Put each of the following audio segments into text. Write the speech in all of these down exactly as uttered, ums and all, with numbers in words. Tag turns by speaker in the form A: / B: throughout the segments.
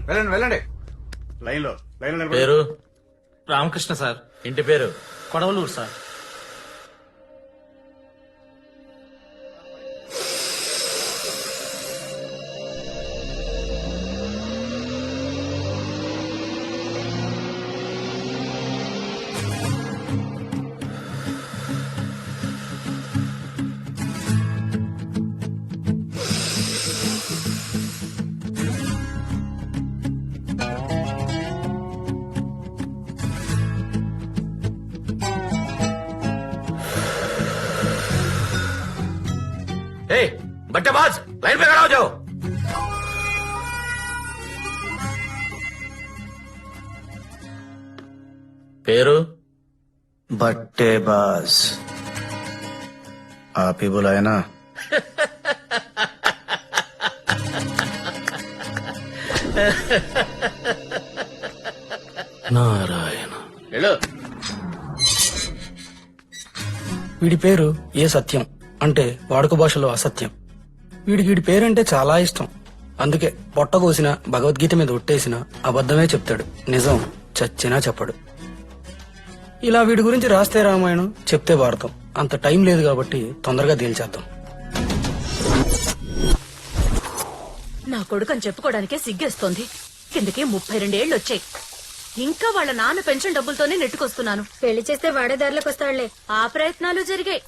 A: వెళ్ళండి వెళ్ళండి లైన్ లో లైన్ లో
B: పేరు
C: రామకృష్ణ సార్.
B: ఇంటి పేరు
C: కొడవలూరు సార్.
B: ए बट्टेबाज लाइन पे खड़ा हो जाओ। पेरू
D: बट्टेबाज आप ही बुलाए ना।
B: नारायण हेलो
E: వీడి పేరు ఏ సత్యం అంటే వాడుక భాషలో అసత్యం. వీడికి వీడి పేరంటే చాలా ఇష్టం. అందుకే పొట్ట కోసిన భగవద్గీత మీద ఒట్టేసిన అబద్ధమే చెప్తాడు, నిజం చచ్చినా చెప్పడు. ఇలా వీడి గురించి రాస్తే రామాయణం, చెప్తే భారతం. అంత టైం లేదు కాబట్టి తొందరగా తేల్చేద్దాం.
F: నా కొడుకని చెప్పుకోవడానికే సిగ్గేస్తోంది. కిందకి ముప్పై రెండేళ్లు వచ్చాయి. ఇంకా వాళ్ళ నాన్న పెన్షన్ డబ్బులతోనే నెట్టుకొస్తున్నాను.
G: పెళ్లి చేస్తే వాడే దారిలోకి వస్తాడులే.
F: ఆ ప్రయత్నాలు జరిగాయి.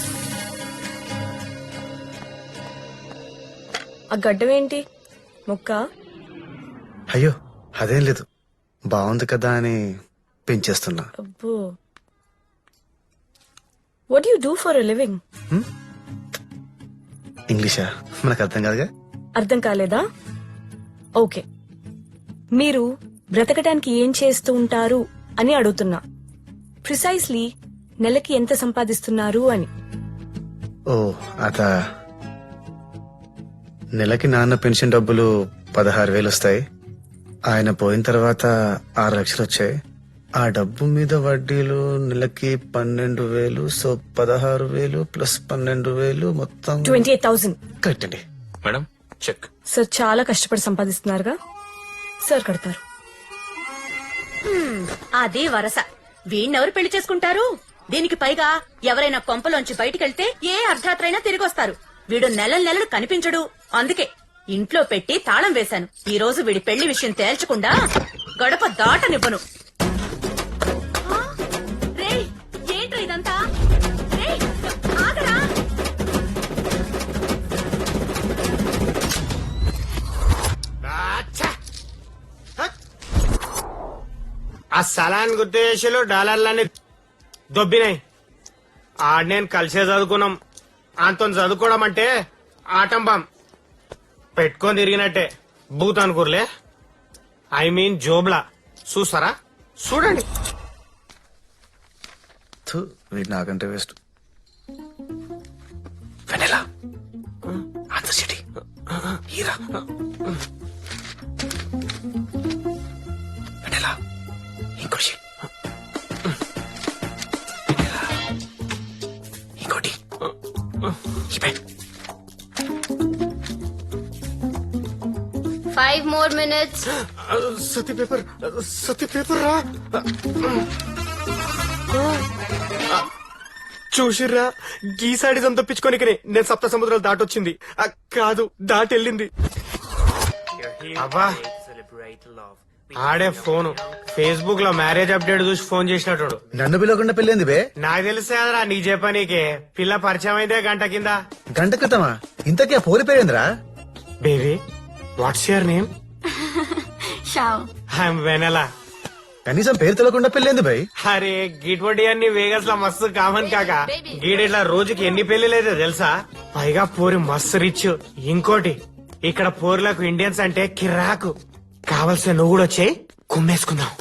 G: ఆ గడ్డం ఏంటి? ముక్క?
D: అయ్యో అదేం లేదు, బాగుంది కదా అని పెంచేస్తున్నా.
G: అబ్బో. What you do for a living?
D: ఇంగ్లీషా మనకు అర్థం కాదుగా.
G: అర్థం కాలేదా? ఓకే, మీరు బ్రతకడానికి ఏం చేస్తూ ఉంటారు అని అడుగుతున్నా. ప్రిసైజ్లీ నెలకి ఎంత సంపాదిస్తున్నారు అని.
D: ఓ అదా, నెలకి నాన్న పెన్షన్ డబ్బులు పదహారు వేలు వస్తాయి. ఆయన పోయిన తర్వాత ఆరు లక్షలు వచ్చాయి. ఆ డబ్బు మీద వడ్డీలు నెలకి పన్నెండు వేలు. సో పదహారు వేలు ప్లస్ పన్నెండు వేలు మొత్తం
G: ట్వంటీ ఎయిట్ థౌసండ్.
D: కరెక్ట్ అండి.
B: मैडम चेक
G: సార్ చాలా కష్టపడి సంపాదిస్తున్నారుగా. సార్ కడతారు.
F: అదే వరస. వీణ్ణెవరు పెళ్లి చేసుకుంటారు? దీనికి పైగా ఎవరైనా కొంపలోంచి బయటికెళ్తే ఏ అర్ధరాత్రైనా తిరిగొస్తారు. వీడు నెల నెలలు కనిపించడు. అందుకే ఇంట్లో పెట్టి తాళం వేశాను. ఈ రోజు వీడి పెళ్లి విషయం తేల్చకుండా గడప దాటనివ్వను. ఆ? రేయ్, ఏంట్రా ఇదంతా? రేయ్, ఆగరా?
H: ఆ సలాన్ గుర్తేషలు డాలర్లన్నీ దొబ్బినాయి. ఆడ నేను కలిసే చదువుకున్నాం. అంత చదువుకోవడం అంటే ఆటంబం పెట్టుకొని తిరిగినట్టే. బూత్ అనుకోర్లే, ఐ మీన్ జోబ్లా. చూస్తారా? చూడండి.
D: థు, వీడు నాకంటే వేస్ట్. వెనెలా ఆన్సర్ సిటీ హీరా వెనెలా ఇంకోటి ఇంకోటి ఇవే.
G: Five more minutes.
H: Satya paper, Satya paper రా. చూసిర్రా, గీసాడిజం తప్పించుకోనికనే నేను సప్త సముద్రాలు దాటొచ్చింది. ఆ, కాదు దాటెళ్ళింది. అబ్బా, ఆడే ఫోను ఫేస్బుక్ లో మ్యారేజ్ అప్డేట్ చూసి ఫోన్ చేసినట్టు.
D: నన్ను పిలవకుండా పెళ్ళింది బే.
H: నాకు తెలిసేదరా నీకు చెప్పనీకే. పిల్ల పరిచయం అయితే గంట కింద.
D: గంట క్రితమా? ఇంతకీ ఆ పోలి పేరేంద్రా?
H: Baby, what's your name? I'm Vennela.
D: కనీసం పేరు తెలియకుండా పెళ్ళింది బై.
H: అరే గిట్వడి అన్ని వేగస్ లో మస్తు కామన్ కాక. గీడిట్లా రోజుకి ఎన్ని పెళ్లిలైతే తెలుసా? పైగా పోరి మస్తు రిచ్. ఇంకోటి, ఇక్కడ పోరులకు ఇండియన్స్ అంటే కిరాకు. కావలసిన నువ్వు కూడా వచ్చాయి, కుమ్మేసుకుందాం.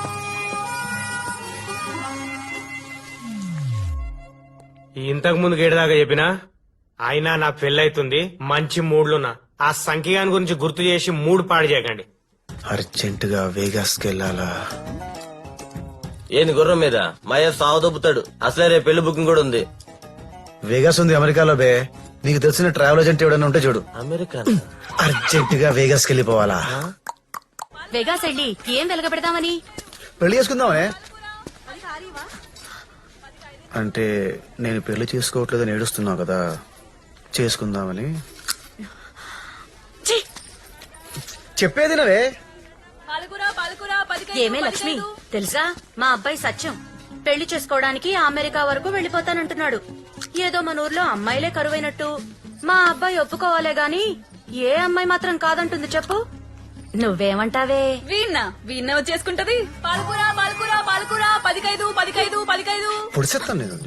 H: ఇంతకు ముందు గేడదాకా చెప్పినా అయినా నా పెళ్ళైతుంది, మంచి మూడ్లున్నా. ఆ సంఖ్యగాని గురించి గుర్తు చేసి మూడు పాడు చేయకండి.
D: అర్జెంట్ గా వేగాస్ కెళ్ళాలా?
B: ఏంది గుర్రం మీద మయ సాగు దొబ్బుతాడు. అసలే రేపు పెళ్లి బుకింగ్ కూడా ఉంది.
D: వేగాస్ ఉంది అమెరికాలో బే. నీకు తెలిసిన ట్రావెల్ ఏజెంట్ ఎవడన్నా ఉంటే చూడు.
B: అమెరికా
D: అర్జెంట్ గా వేగాస్ కెళ్ళిపోవాలా?
F: వెగాస్ వెళ్ళి ఏం వెలగబెడదామని?
D: పెళ్లి చేసుకుందామనే. అంటే నేను పెళ్లి చేసుకోవట్లేదని ఏడుస్తున్నావు కదా, చేసుకుందామని.
F: ఛీ!
D: చెప్పేది నవే.
F: ఏమే లక్ష్మి, తెలుసా మా అబ్బాయి సత్యం పెళ్లి చేసుకోవడానికి అమెరికా వరకు వెళ్లిపోతానంటున్నాడు. ఏదో మన ఊర్లో అమ్మాయిలే కరువైనట్టు మా అబ్బాయి ఒప్పుకోవాలే గాని ఏ అమ్మాయి మాత్రం కాదంటుంది చెప్పు. నువ్వేమంటావే?
G: వీణ్ణ వీణ్ణ వచ్చేసుకుంటది. పాలకూర పాలకూర పాలకూర పదికైదు పదికైదు పదికైదు.
D: పొడిసేస్తాను నేను.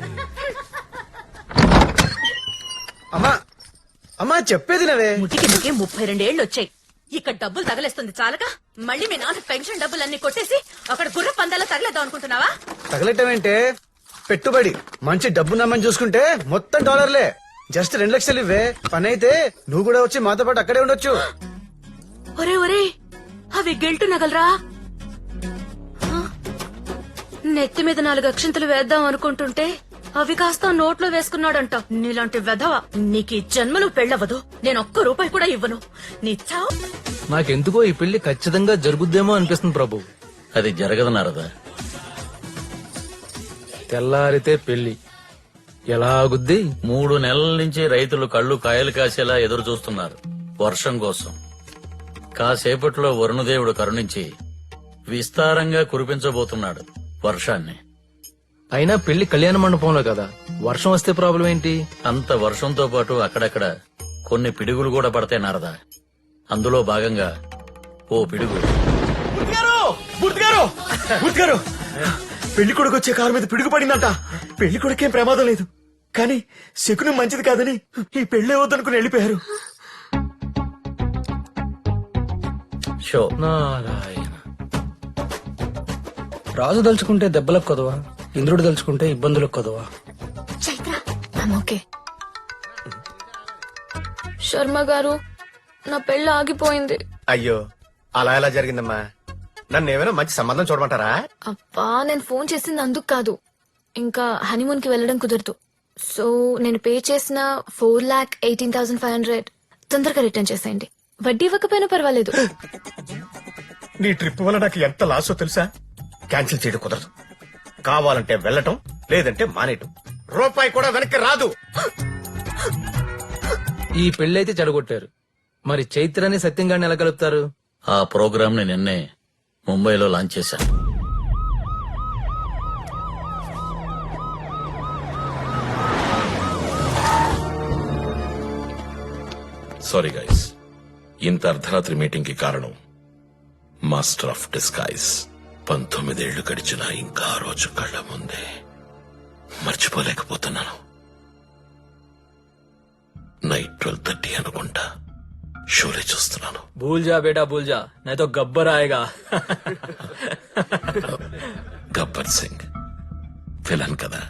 D: అమ్మా అమ్మా చెప్పేది నవే.
F: ముటికి ముటికి ముప్పై రెండేళ్లు వచ్చాయి. ఇక్కడ డబ్బులు తగలేస్తుంది చాలక మళ్ళీ మీ నాన్న పెన్షన్ డబ్బులన్నీ కొట్టేసి అక్కడ గుర్ర పందాల తగలేద్దాం అనుకుంటున్నావా?
D: తగలటమేంటే పెట్టుబడి మంచి డబ్బు నమ్మని చూసుకుంటే మొత్తం డాలర్లే. జస్ట్ రెండు లక్షలు ఇవ్వే, పని అయితే నువ్వు కూడా వచ్చి మాతో పాటు అక్కడే ఉండొచ్చు.
F: ఒరే ఒరే, అవి గెల్టు నగలరా. ఆ? నెత్తి మీద నాలుగు అక్షంతలు వేద్దాం అనుకుంటుంటే అవి కాస్త నోట్లో వేసుకున్నాడంట. నీలాంటి వెధవ నీకు ఈ జన్మలో పెళ్ళవదు. నేను ఒక్క రూపాయి కూడా ఇవ్వను. నీ చావు.
C: నాకెందుకో ఈ పెళ్లి ఖచ్చితంగా జరుగుద్దేమో అనిపిస్తుంది ప్రభు.
B: అది జరగదు నారదా.
C: తెల్లారితే పెళ్లి ఎలాగుద్ది?
B: మూడు నెలల నుంచి రైతులు కళ్ళు కాయలు కాసేలా ఎదురు చూస్తున్నారు వర్షం కోసం. కాసేపట్లో వరుణదేవుడు కరుణించి విస్తారంగా కురిపించబోతున్నాడు వర్షాన్ని.
C: అయినా పెళ్లి కళ్యాణ మండపంలో కదా, వర్షం వస్తే ప్రాబ్లం ఏంటి?
B: అంత వర్షంతో పాటు అక్కడక్కడ కొన్ని పిడుగులు కూడా పడతాయి నారదా. అందులో భాగంగా ఓ పిడుగు.
I: పెళ్లి కొడుకు వచ్చే కారు మీద పిడుగు పడిందంట. పెళ్లి కొడుకేం ప్రమాదం లేదు, కానీ శకునం మంచిది కాదని ఈ పెళ్లి వద్దనుకుని వెళ్ళిపోయారు.
B: షో.
C: నారాయణ.
E: రాజు దలుచుకుంటే దెబ్బలకు కొదవా, ఇంద్రుడు దలుచుకుంటే ఇబ్బందులకు కొదవా.
G: ఓకే శర్మ గారు, నా పెళ్లి ఆగిపోయింది.
A: అయ్యో, అలా ఎలా జరిగిందమ్మా? నన్ను ఏమైనా మంచి సంబంధం చూడమంటారా?
G: అబ్బా, నేను ఫోన్ చేసింది అందుకు కాదు. ఇంకా హనీమూన్ కి వెళ్ళడం కుదరదు. సో నేను పే చేసిన four lakh eighteen thousand five hundred తొందరగా రిటర్న్ చేసేయండి. వడ్డీ ఇవ్వకపోయినా పర్వాలేదు.
A: నీ ట్రిప్ వల్ల నాకు ఎంత లాసో తెలుసా? క్యాన్సిల్ చేయడం కుదరదు. కావాలంటే వెళ్ళటం, లేదంటే మానేయటం. రూపాయి కూడా వెనక్కి రాదు.
C: ఈ పెళ్లైతే చెడగొట్టారు, మరి చైత్రాన్ని సత్యంగాన్ని ఎలా కలుపుతారు?
B: ఆ ప్రోగ్రామ్ ని నిన్నే ముంబైలో లాంచ్ చేశాను.
J: సారీ గైస్, ఇంత అర్ధరాత్రి మీటింగ్ కి కారణం మాస్టర్ ఆఫ్ డిస్గైజ్. పంతొమ్మిదేళ్లు గడిచినా ఇంకా ఆ రోజు కళ్ళ ముందే మర్చిపోలేకపోతున్నాను. నైట్ ట్వెల్వ్ థర్టీ అనుకుంటా షోలే చూస్తున్నాను.
C: భూల్ జా బేటా భూల్ జా, నైతో గబ్బర్ ఆయగా.
J: గబ్బర్ సింగ్ విలన్ కదా.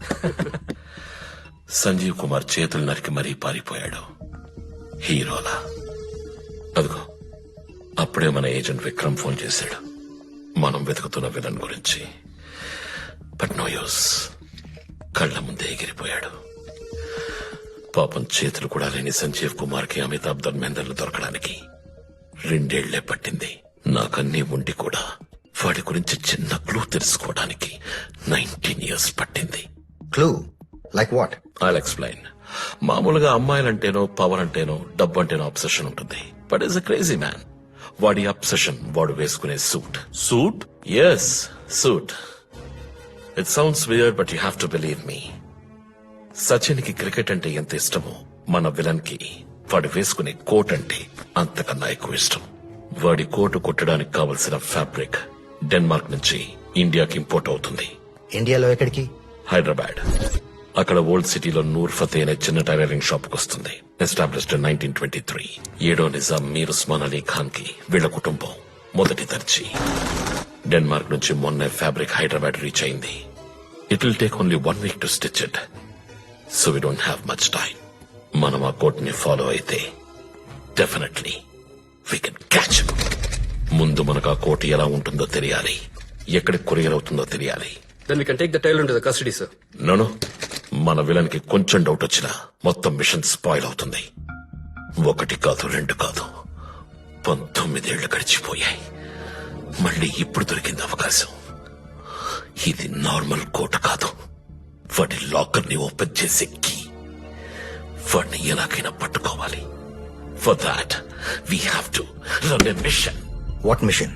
J: సంజీవ్ కుమార్ చేతులు నరికి మరీ పారిపోయాడు హీరోలా. అదిగో అప్పుడే మన ఏజెంట్ విక్రమ్ ఫోన్ చేశాడు మనం వెతుకుతున్న విలన్ గురించి. బట్ నో యూస్, కళ్ల ముందే ఎగిరిపోయాడు. పాపం చేతులు కూడా లేని సంజీవ్ కుమార్ కి అమితాబ్ ధర్మేందర్లు దొరకడానికి రెండేళ్లే పట్టింది. నాకన్నీ ఉండి కూడా వాడి గురించి చిన్న క్లూ తెలుసుకోవడానికి నైన్టీన్ ఇయర్స్ పట్టింది.
A: Clue like what?
J: I'll explain. మామూలుగా అమ్మాయిలంటేనో పవర్ అంటేనో డబ్బు అంటేనో అబ్సెషన్ ఉంటుంది. But is a crazy man. వాడి అబ్సెషన్ వాడు వేసుకునే suit. Suit? Yes, suit. It sounds weird but you have to believe me. Sachin కి క్రికెట్ అంటే ఎంత ఇష్టమో మన విలన్ కి వాడు వేసుకునే కోట్ అంటే అంతకన్నా ఎక్కువ ఇష్టం. వాడి కోటు కుట్టడానికి కావలసిన ఫ్యాబ్రిక్ డెన్మార్క్ నుంచి ఇండియాకి ఇంపోర్ట్ అవుతుంది.
A: ఇండియాలో ఎక్కడికి?
J: హైదరాబాద్. అక్కడ ఓల్డ్ సిటీలో నూర్ ఫతే అనే చిన్న టైలరింగ్ షాప్ వస్తుంది. Established nineteen twenty three. ఏడో నిజాం మీర్ ఉస్మాన్ అలీ ఖాన్ కి వీళ్ల కుటుంబం మొదటి దర్జీ. డెన్మార్క్ నుంచి మొన్నే ఫ్యాబ్రిక్ హైదరాబాద్ రీచ్ అయింది. It will take only one week to stitch it. So we don't have much time. మనం ఆ కోట్ ని ఫాలో అయితే డెఫినెట్లీ వీ కెన్ క్యాచ్. ముందు మనకు ఆ కోట్ ఎలా ఉంటుందో తెలియాలి, ఎక్కడికి కొరియర్ అవుతుందో తెలియాలి.
E: Then we can take the tail into the custody, sir.
J: నోను, మన విలన్ కి కొంచెం డౌట్ వచ్చినా మొత్తం మిషన్ స్పాయిల్ అవుతుంది. ఒకటి కాదు, రెండు కాదు, పంతొమ్మిదేళ్లు గడిచిపోయాయి. మళ్ళీ ఇప్పుడు దొరికింది అవకాశం. ఇది నార్మల్ కోట కాదు, వాడి లాకర్ ని ఓపెన్ చేసే కీ. వాడిని ఎలాగైనా పట్టుకోవాలి. For that we have to run a mission.
A: What mission?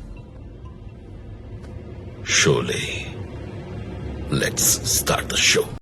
J: Sholay, let's start the show.